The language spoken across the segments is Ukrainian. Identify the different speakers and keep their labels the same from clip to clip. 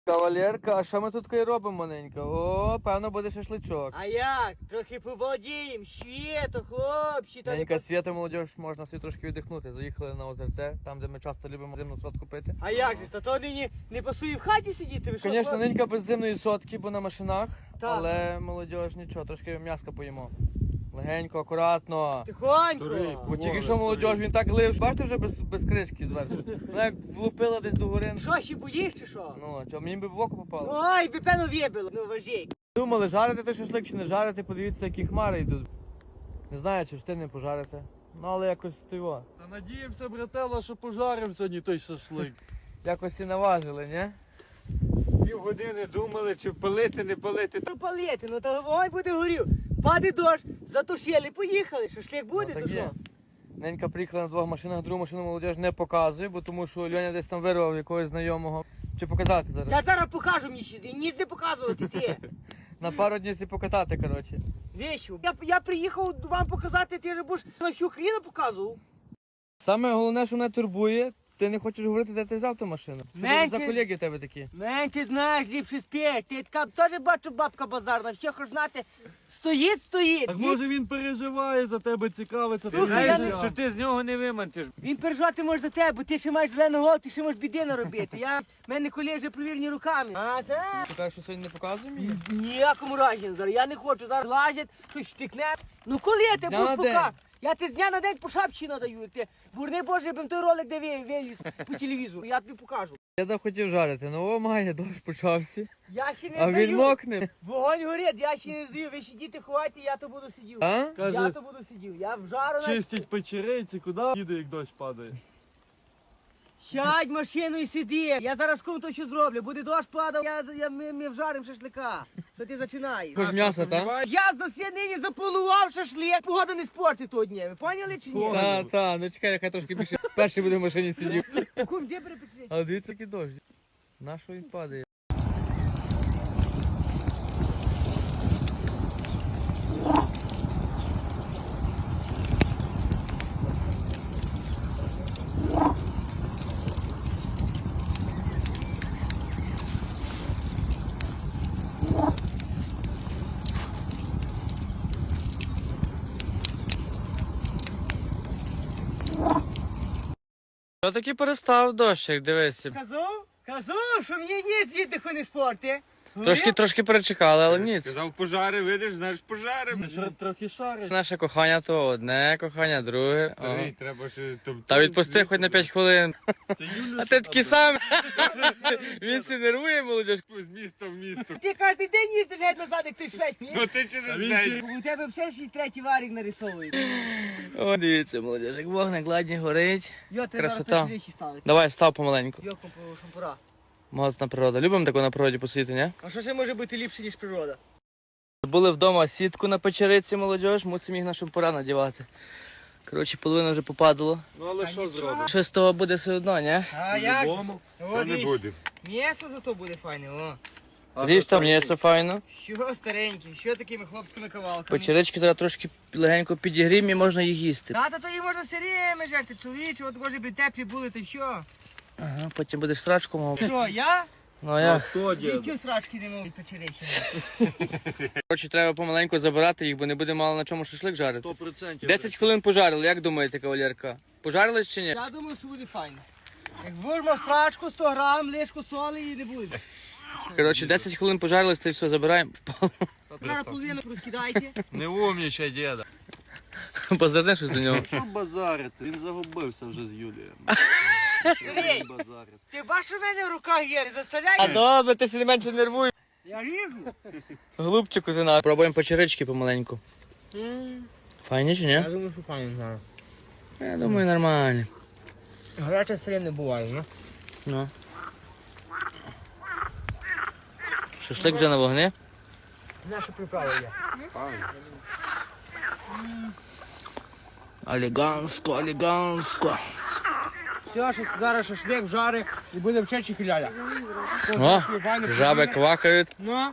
Speaker 1: Кавалерка, а що ми тут робимо, маленька? О, певно буде шашличок.
Speaker 2: А як? Трохи побалдієм, світо, хлопці.
Speaker 1: Маленька свята, молодіж, можна собі трошки віддихнути. Заїхали на озерце, там, де ми часто любимо зимну сотку пити.
Speaker 2: А як же? Та то нині не пасує в хаті сидіти, ви що?
Speaker 1: Звісно,
Speaker 2: хлопці?
Speaker 1: ненька без зимної сотки, бо на машинах,
Speaker 2: Так.
Speaker 1: але молодіж нічого, трошки м'яска поїмо. Легенько, акуратно.
Speaker 2: Тихонько.
Speaker 1: Бо тільки що молодіж, він так лив, бачите вже без кришки зверху. Вона як влупила десь до гори.
Speaker 2: Що, ще боїш чи що?
Speaker 1: Ну, що, мені би в око попало.
Speaker 2: Ой, би певно в'єбило, ну важій.
Speaker 1: Думали, жарити той шашлик чи не жарити, подивіться, які хмари йдуть. Не знаю, чи встигне пожарити. Ну, але якось того.
Speaker 3: Та надіємося, братела, що пожарим сьогодні той шашлик.
Speaker 1: Якось і наважили, ні?
Speaker 4: Півгодини думали, чи палити, не палити.
Speaker 2: Ну палити, ну то вогонь буде горів. Паде дощ, затушили, поїхали. Шашлик буде,
Speaker 1: Ну,
Speaker 2: то
Speaker 1: так
Speaker 2: що?
Speaker 1: є. Ненька приїхала на двох машинах, другу машину молодіж не показує, бо тому що Льоня десь там вирвав якогось знайомого. Чи показати зараз?
Speaker 2: Я зараз покажу мені сюди, ніс не показувати ти.
Speaker 1: На пару днів сі покатати, коротше.
Speaker 2: Вещу. Я приїхав вам показати, ти ж будеш на всю хріну показував.
Speaker 1: Саме головне, що мене турбує, ти не хочеш говорити, де ти взяв ту машину. Що
Speaker 2: Менше-
Speaker 1: це за колеги в тебе такі?
Speaker 2: Менше знаєш, ліпше спєш. Ти така теж бачу бабка базарна, все хоч знати. Стоїть.
Speaker 3: Так може він переживає за тебе, цікавиться.
Speaker 2: Слухай,
Speaker 3: твоїм
Speaker 2: я
Speaker 3: життям.
Speaker 4: Що ти з нього не вимантиш.
Speaker 2: Він переживати може за тебе, бо ти ще маєш зелену голову, ти ще можеш біди наробити. В мене колеги вже провірені руками. А так?
Speaker 1: Ти кажеш, що сьогодні не показує мені?
Speaker 2: Ніякому разі зараз. Я не хочу, зараз лазять, щось штикне. Ну коли ти
Speaker 1: З дня
Speaker 2: будеш
Speaker 1: на
Speaker 2: пока?
Speaker 1: день.
Speaker 2: Я ти з дня на день по шапці надаю. Ти бурни Боже, я б той ролик де виліз по телевізору. Я тобі покажу.
Speaker 1: Я так хотів жарити, ну о, має, дощ почався.
Speaker 2: Я ще не
Speaker 1: А
Speaker 2: здаю.
Speaker 1: він мокне.
Speaker 2: Вогонь горить, я ще не здаю. Ви сидіти, ховайте, я то буду сидів.
Speaker 1: А?
Speaker 2: Я
Speaker 3: Каже,
Speaker 2: то буду сидів. Я в жару на...
Speaker 3: чистять печериці, куди їде, як дощ падає.
Speaker 2: Сядь в машину і сиди. Я зараз кому то що зроблю. Буде дощ падав, ми вжарим шашлика. Що ти починаєш?
Speaker 1: Хоч м'ясо, так?
Speaker 2: Я нині запланував шашлик. Погода не спортить того дня. Ви поняли чи ні?
Speaker 1: Та, ну чекай, яка трошки більше. Перший буде в машині сидів.
Speaker 2: Кум, де перепечеться?
Speaker 1: Але дивіться, який дощ. На що він падає? Що таки перестав дощик, дивися.
Speaker 2: Казав, що мені ні віддиху не спорти.
Speaker 1: Трошки перечекали, але ніц.
Speaker 4: Казав, пожари, видиш, знаєш, пожарим.
Speaker 3: Трохи шарить.
Speaker 1: Наше кохання то одне, кохання друге. О.
Speaker 4: Старий, треба ще...
Speaker 1: Та відпусти хоч на 5 хвилин. А ти такий сам. Він сі нервує, молодіж.
Speaker 4: З міста в місто.
Speaker 2: Ти кожен день їздиш геть назад, як ти швець.
Speaker 4: Ну ти через
Speaker 3: він
Speaker 4: день.
Speaker 2: У тебе все ще й третій варік нарисовують.
Speaker 1: О, дивіться, молодіж, як вогник ладні горить.
Speaker 2: Йо, ти
Speaker 1: Красота.
Speaker 2: зараз речі ставити.
Speaker 1: Давай, став помаленьку.
Speaker 2: Йо, шампура.
Speaker 1: Моцна природа. Любимо таку на природі посидіти, ні?
Speaker 2: А що ще може бути ліпше, ніж природа?
Speaker 1: Були вдома сітку на печериці, молодіж, мусимо їх на шампура надівати. Коротше, половина вже попадало.
Speaker 3: Ну але що зробиш?
Speaker 1: Що з того буде все одно, ні?
Speaker 2: А як?
Speaker 3: По-любому.
Speaker 4: Що не буде?
Speaker 2: М'ясо зато буде файне, о.
Speaker 1: Ріж там м'ясо файно.
Speaker 2: Що старенький, що такими хлопськими кавалками?
Speaker 1: Печерички треба трошки легенько підігрім і можна їх їсти.
Speaker 2: Та то їх можна сиріми жерти, чоловіче, от може би теплі були, та що?
Speaker 1: Ага, потім будеш срачку мав.
Speaker 2: Що, я?
Speaker 1: Ну а як?
Speaker 3: Хто дід?
Speaker 2: Життю страшки не можу печеречі.
Speaker 1: Коротше, треба помаленьку забирати їх, бо не буде мало на чому шашлик жарити.
Speaker 3: 100%.
Speaker 1: 10 хвилин пожарили, як думаєте, кавалерка? Пожарили чи ні?
Speaker 2: Я думаю, що буде файно. Як вирмо страчку, 100 грам, лишку соли і не буде.
Speaker 1: Коротше, 10 хвилин пожарили, це все забираємо.
Speaker 2: Зараз половину розкидайте.
Speaker 3: Не умнічай, діда.
Speaker 1: Позирни щось до нього.
Speaker 3: Що базарити? Він загубився вже з Юлією.
Speaker 2: Старий,
Speaker 3: Базарить.
Speaker 2: ти бачиш, що в мене в руках є, не
Speaker 1: А
Speaker 2: заставляй.
Speaker 1: добре, ти сі менше нервуй.
Speaker 2: Я ріжу.
Speaker 1: Голубчику ти на. Пробуємо печерички помаленьку. Файні чи ні?
Speaker 2: Я думаю, що файно зараз.
Speaker 1: Я думаю, нормально.
Speaker 2: Гаряче сирен не буває, ну.
Speaker 1: Ну. Шашлик вже на вогні.
Speaker 2: Наша приправа є.
Speaker 1: Оліганско, оліганско.
Speaker 2: Все, що зараз шашлик вжари і буде ще чекіляля.
Speaker 1: О, жаби квакають.
Speaker 2: Ну,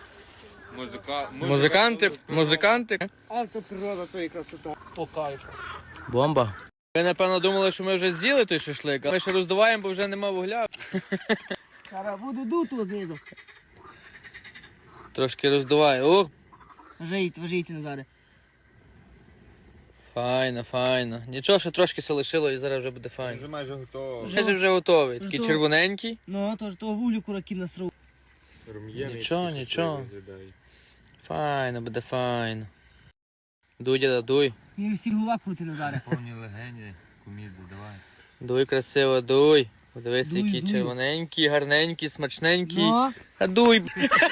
Speaker 1: Музиканти.
Speaker 2: але то природа, то і красота. По кайфу.
Speaker 1: Бомба. Ви, напевно, думали, що ми вже з'їли той шашлик, а ми ще роздуваємо, бо вже нема вугля.
Speaker 2: Зараз буду дуту знизу.
Speaker 1: Трошки роздуває. Ох,
Speaker 2: Важійте, Назаре.
Speaker 1: файно, файно. Нічого, що трошки се лишило і зараз вже буде файно.
Speaker 4: Вже майже готово.
Speaker 1: Вже готовий. Такий
Speaker 2: Готовий.
Speaker 1: червоненький.
Speaker 2: Ну, то ж того вулю кураків насрав.
Speaker 4: Рум'яний
Speaker 1: Нічого,
Speaker 4: такий
Speaker 1: нічого.
Speaker 4: виглядає.
Speaker 1: Файно, буде файно. Дуй, діда, дуй.
Speaker 2: Мені всі голова крути, Назаре.
Speaker 4: Повні легені, куміду, давай.
Speaker 1: Дуй красиво, дуй. Подивись,
Speaker 2: Дуй,
Speaker 1: який
Speaker 2: дуй.
Speaker 1: червоненький, гарненький, смачненький.
Speaker 2: Ну,
Speaker 1: А дуй.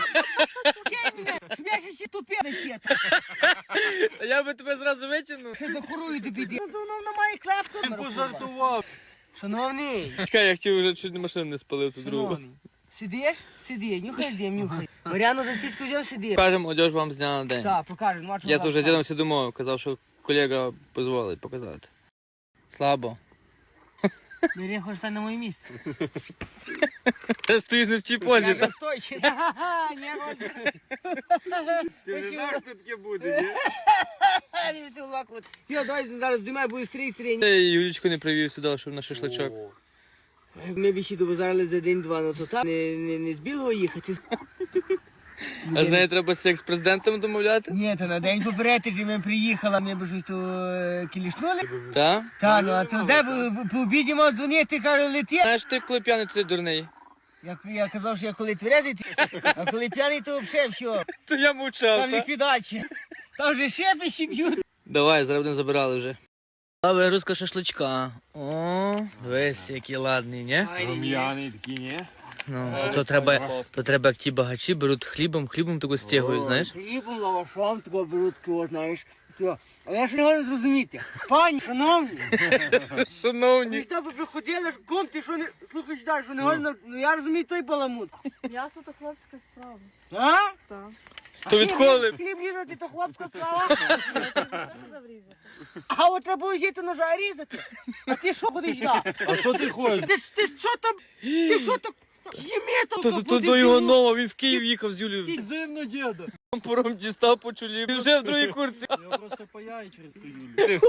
Speaker 2: щоб я ще тупе не п'єте.
Speaker 1: Та я би тебе зразу витягнув.
Speaker 2: Ще захорую до біди. Ну, вона має клепку.
Speaker 3: Пожартував.
Speaker 2: Шановний,
Speaker 1: Чекай, я хотів вже чуть машину не спалив тут другу.
Speaker 2: шановний. Сидиш? Сиди, нюхай дим, нюхай. Мар'яну за цицьку взяв, сиди.
Speaker 1: Покажемо молодіж вам з дня на день.
Speaker 2: Так, покажу. Ну, а чого
Speaker 1: Я
Speaker 2: так
Speaker 1: тут вже з
Speaker 2: стало?
Speaker 1: дідом всі домовив, казав, що колега дозволить показати. Слабо.
Speaker 2: Бери, хочеш стати на моє місце.
Speaker 1: Ти стоїш не в тій позі,
Speaker 2: Я
Speaker 1: так?
Speaker 2: же стойчий. Ха-ха-ха, не роблю.
Speaker 4: Ти вже знаєш, що таке буде, ні?
Speaker 2: Мені всі голова крути. Йо, давай зараз здимай, буде стрій.
Speaker 1: Ти Юлічку не привів сюди, щоб на шашличок.
Speaker 4: О,
Speaker 2: Ми б ще добазарили за день-два, ну то так, не з Білого їхати.
Speaker 1: А з нею треба з екс-президентом домовляти?
Speaker 2: Ні, то на день попереди ж ми приїхала, ми б щось то кілішнули.
Speaker 1: Так?
Speaker 2: Та, ну а то де по обіді мав дзвонити, кажу, лети.
Speaker 1: Знаєш, ти коли п'яний, то ти дурний.
Speaker 2: Я казав, що я коли тверезий, а коли п'яний, то взагалі все.
Speaker 1: То я мовчав,
Speaker 2: Там
Speaker 1: так?
Speaker 2: ліквідація. Там вже шепи б'ють.
Speaker 1: Давай, зараз будемо забирали вже. Вигрузка шашличка. О, дивись, який ладний, ні?
Speaker 4: рум'яний такий, ні?
Speaker 1: Ну, то треба як ті багачі беруть хлібом таку стягують, знаєш?
Speaker 2: Хлібом, лавашом, такого беруть, такого, знаєш. Але я ж не можу зрозуміти. Пані, шановні, ви
Speaker 1: Шановні.
Speaker 2: ж тебе приходили, ком ти що не слухаєш далі, що не можна, ну я розумію той баламут.
Speaker 5: М'ясо то хлопська справа.
Speaker 2: А?
Speaker 5: Так.
Speaker 1: То відколи?
Speaker 2: Хліб різати, то хлопська справа.
Speaker 5: Заврізати.
Speaker 2: А от треба було взяти ножа і різати. А ти що ходиш на?
Speaker 3: А що ти ходиш?
Speaker 2: Ти що там? Ти що там? Їми там,
Speaker 1: То до його нова, він в Київ їхав з Юлією.
Speaker 3: Зимно, діда.
Speaker 1: Пором дістав по чолі. Він вже в другій курці.
Speaker 3: Я просто паяю через ту Юлю.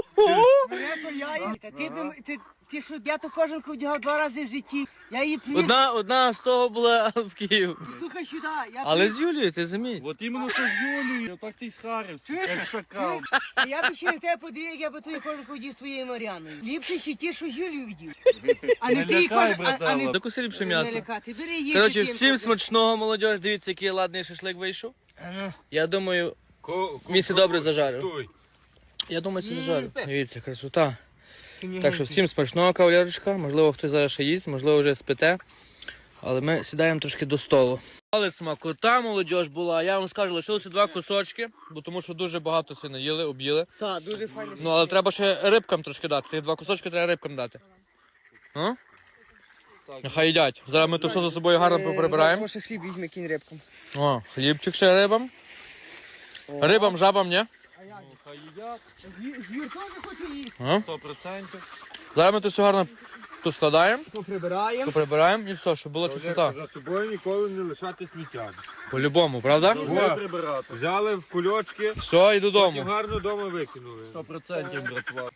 Speaker 2: Ти що, я то кожанку вдягав 2 рази в житті. Я її приніс.
Speaker 1: Одна з того була в Київ.
Speaker 2: Слухай сюди.
Speaker 1: Але з Юлією, ти замій.
Speaker 3: От іменно що з Юлею, так ти й схарився, як шакал.
Speaker 2: Я б ще на тебе подивив, як я би твою кожанку вдів з твоєю Мар'яною. Ліпше ще ті, що з Юлію вдів. А не
Speaker 3: Не
Speaker 2: ти
Speaker 3: лякай,
Speaker 2: кожан, а не
Speaker 3: братела.
Speaker 1: Докуси ліпше
Speaker 2: не
Speaker 1: м'ясо.
Speaker 2: лякати. Бери їсти.
Speaker 1: Коротше,
Speaker 2: тим,
Speaker 1: всім
Speaker 2: що-
Speaker 1: смачного, молодіж. Дивіться, який ладний шашлик вийшов.
Speaker 2: А ну.
Speaker 1: Я думаю, місце добре зажарив.
Speaker 4: Стой.
Speaker 1: Я думаю, це зажарив. Дивіться, красота. Так що всім смачного, кавалерочка. Можливо, хтось зараз ще їсть, можливо, вже спите. Але ми сідаємо трошки до столу. Але смакота, молодіж була. Я вам скажу, лишилося 2 кусочки, бо тому що дуже багато це наїли, об'їли.
Speaker 2: Так, дуже файно.
Speaker 1: Ну, але треба ще рибкам трошки дати. Тих 2 кусочки треба рибкам дати. А? Нехай їдять. Зараз ми то все за собою гарно поприбираємо.
Speaker 2: Може хліб візьме, кінь рибком.
Speaker 1: О, хлібчик ще рибам. Рибам, жабам, ні?
Speaker 3: Хай їдять,
Speaker 2: Юр теж хоче їсти.
Speaker 1: А?
Speaker 3: 100%.
Speaker 1: Зараз ми то все гарно поскладаємо,
Speaker 2: Поприбираємо.
Speaker 1: поприбираємо і все, щоб була чистота.
Speaker 4: За собою ніколи не лишати сміття.
Speaker 1: По-любому, правда?
Speaker 3: Вже прибирати.
Speaker 4: Взяли в кульочки,
Speaker 1: Все, і
Speaker 4: потім
Speaker 1: додому.
Speaker 4: гарно вдома викинули.
Speaker 3: 100% братва.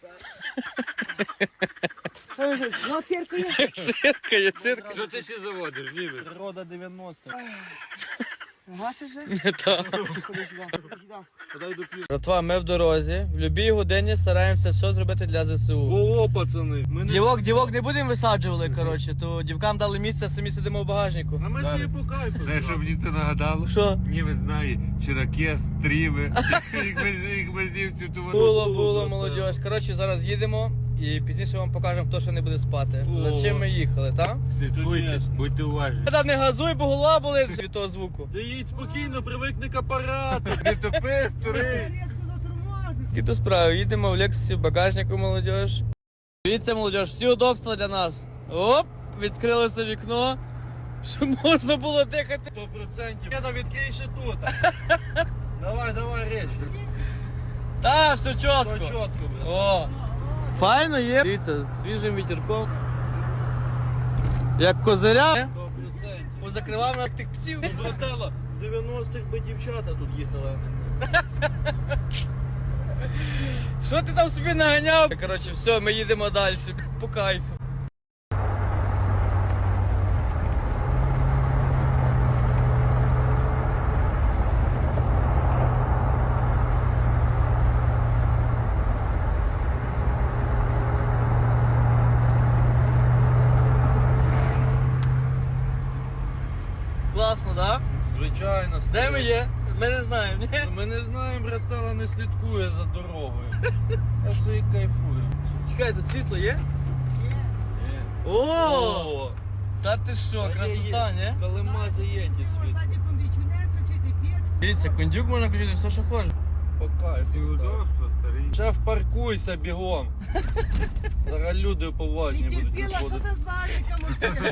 Speaker 2: Ну, цирку є.
Speaker 1: Цирка є цирка.
Speaker 4: Що ти ще заводиш, німець?
Speaker 3: Природа 90-х.
Speaker 2: Гаси вже?
Speaker 1: Не так.
Speaker 2: Ходи сюди. Ходи сюди.
Speaker 3: Подай до пів.
Speaker 1: Братва, ми в дорозі. В будь-якій годині стараємося все зробити для ЗСУ.
Speaker 3: Во, пацани. Ми не...
Speaker 1: Дівок не будемо висаджували, коротше, то дівкам дали місце, а самі сидимо в багажнику.
Speaker 3: А ми собі по кайфу.
Speaker 4: Знаєш, що мені це нагадало?
Speaker 1: Що?
Speaker 4: Німець знає, чираки, стріми, їх без німців, то вони...
Speaker 1: Було, молодіж. Коротше, зараз їдемо і пізніше вам покажемо, хто що не буде спати. За чим ми їхали, так?
Speaker 4: Слідкуйте, будьте уважні.
Speaker 1: Та не газуй, бо голова болить від того звуку.
Speaker 3: Ти їдь спокійно, привикни к апарату.
Speaker 4: Не топи, старий.
Speaker 1: Які то справи, їдемо в Лексусі, в багажнику, молодіж. Дивіться, молодіж, всі удобства для нас. Оп, відкрилося вікно, щоб можна було дихати.
Speaker 3: 100%. Я там відкрий ще тут. Давай, речь.
Speaker 1: Та, все
Speaker 3: Все
Speaker 1: чітко.
Speaker 3: чітко, брат.
Speaker 1: О, файно є. Дивіться, з свіжим вітерком. Як козиря.
Speaker 3: 100%.
Speaker 1: Позакривав на тих псів.
Speaker 3: Ну, братела, в 90-х би дівчата тут їхали.
Speaker 1: Що ти там собі наганяв? Коротше, все, ми їдемо далі. По кайфу.
Speaker 3: звичайно.
Speaker 1: Де ми є? Ми не знаємо, ні?
Speaker 3: Ми не знаємо, братала не слідкує за дорогою. Я собі кайфую.
Speaker 1: Чекай, тут світло є? О! Та ти що, красота, ні?
Speaker 3: Калима заєді світ.
Speaker 2: Ззаді кондиціонер кричити, п'єш.
Speaker 1: Дивіться, кондюк можна включити все, що хочеш.
Speaker 3: По кайфу.
Speaker 4: І
Speaker 3: став.
Speaker 4: удобство, старий.
Speaker 3: Шеф, паркуйся бігом. Зараз люди поважні
Speaker 2: Ти
Speaker 3: будуть
Speaker 2: терпіла, що
Speaker 3: виходити.
Speaker 2: це з барика, машина?